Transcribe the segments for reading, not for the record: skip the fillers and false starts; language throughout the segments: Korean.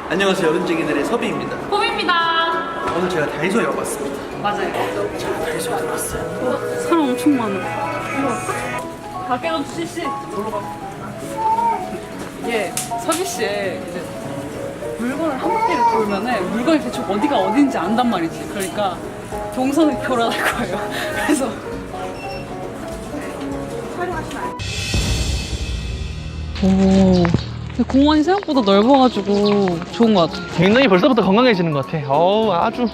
안녕하세요. 어른쟁이들의 섭이입니다. 봄입니다. 오늘 제가 다이소에 와봤습니다. 맞아요. 제가 다이소에 들어왔어요. 사람 엄청 많아. 가게도 CC. 이게 서비스에 이제 물건을 한 바퀴를 돌면은 물건이 대충 어디가 어딘지 안단 말이지. 그러니까 동선을 교란할 거예요. 그래서 오. 근데 공원이 생각보다 넓어가지고 좋은 것 같아. 굉장히 벌써부터 건강해지는 것 같아. 어우, 아주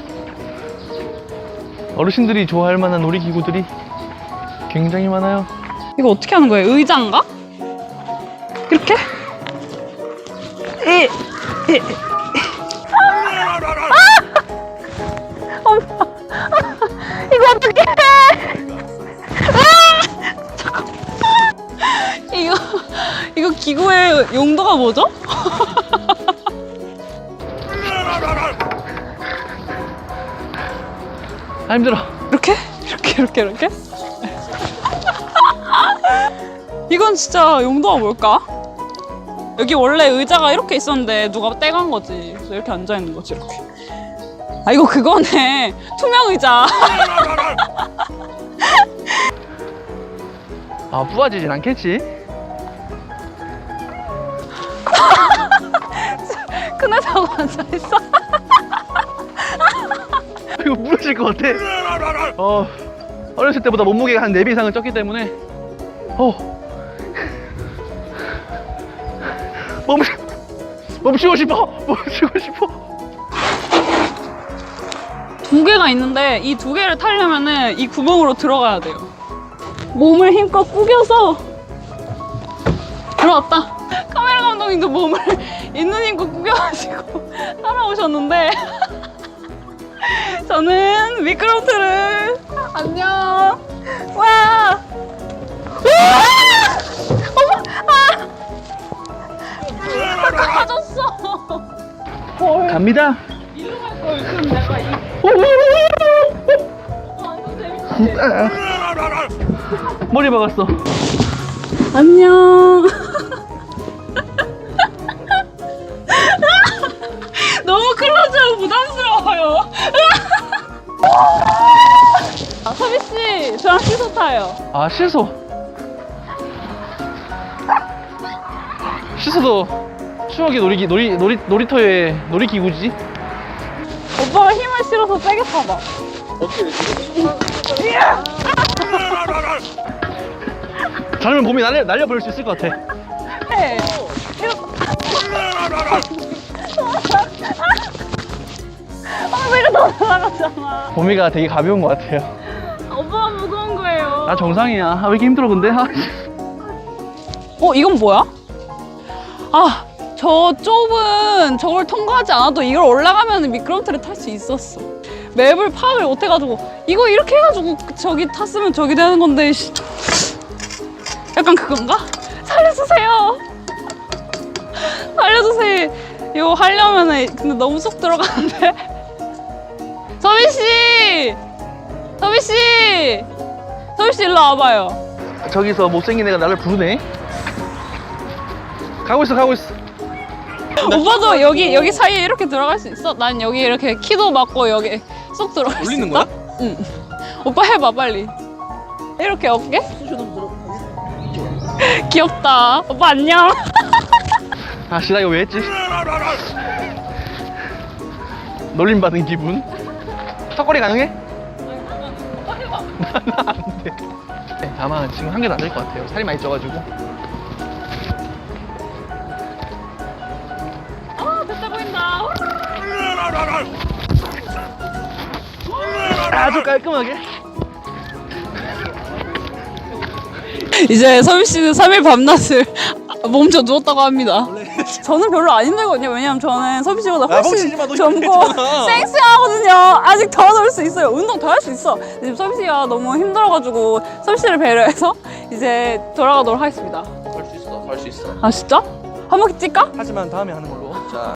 어르신들이 좋아할 만한 놀이기구들이 굉장히 많아요. 이거 어떻게 하는 거예요? 의자인가? 이렇게? 엄마! 이거 어떻게 해? 잠깐만. 이거 기구의 용도가 뭐죠? 아, 힘들어. 이렇게? 이렇게? 이건 진짜 용도가 뭘까? 여기 원래 의자가 이렇게 있었는데 누가 떼간 거지. 그래서 이렇게 앉아 있는 거지, 이렇게. 아, 이거 그거네. 투명 의자. 아, 부러지진 않겠지? 큰 애다고 앉아 있어. 이거 부러질 것 같아. 어렸을 때보다 몸무게가 한 4배 이상은 쪘기 때문에 멈추고 싶어. 두 개가 있는데 이 두 개를 타려면은 이 구멍으로 들어가야 돼요. 몸을 힘껏 구겨서 들어왔다. 카메라 감독님도 몸을 있는 힘껏 구겨가지고 따라오셨는데 저는 미끄럼틀을 안녕. 와. 어머, 빠졌어. 갑니다. 일로 갈 걸. 그럼 내가 완전 재밌지. 머리 박았어. 안녕. 너무 클로즈하고 부담스러워요. 서비씨, 저랑 시소 타요. 아, 시소도 추억의 놀이터의 놀이기구지. 오빠가 힘을 실어서 세게 타봐. 잘하면 봄이 날려버릴 수 있을 것 같아. 네. 내가 더 날아가잖아. 봄이가 되게 가벼운 것 같아요. 오빠가 무거운 거예요. 나 정상이야. 아, 왜 이렇게 힘들어 근데? 이건 뭐야? 아, 저 좁은 저걸 통과하지 않아도 이걸 올라가면 미끄럼틀을 탈 수 있었어. 맵을 파악을 못 해가지고 이거 이렇게 해가지고 저기 탔으면 저기 되는 건데 약간 그건가? 살려주세요. 살려주세요. 이거 하려면은 근데 너무 쏙 들어가는데. 서비씨 일로 와봐요. 저기서 못생긴 애가 나를 부르네. 가고 있어. 오빠도 여기 사이에 이렇게 들어갈 수 있어? 난 여기 이렇게 키도 맞고 여기 쏙 들어갈 수 있다? 올리는 거야? 응. 오빠 해봐 빨리. 이렇게 어깨? 귀엽다. 오빠 안녕. 아씨, 나 이거 왜 했지? 놀림받은 기분. 턱걸이 가능해? 오빠 해봐. 안 돼. 네, 아마 지금 한 개도 안 될 것 같아요. 살이 많이 쪄가지고. 됐다 보인다. 아주 깔끔하게. 이제 서비 씨는 3일 밤낮을 몸져 누웠다고 합니다. 저는 별로 안 힘들거든요. 왜냐면 저는 서비 씨보다 훨씬 젊고 쌩쌩하거든요. 아직 더 놀 수 있어요. 운동 더 할 수 있어. 지금 서비 씨가 너무 힘들어가지고 서비 씨를 배려해서 이제 돌아가도록 하겠습니다. 할 수 있어. 아 진짜? 한 바퀴 뛸까? 하지만 다음에 하는 걸로. 자.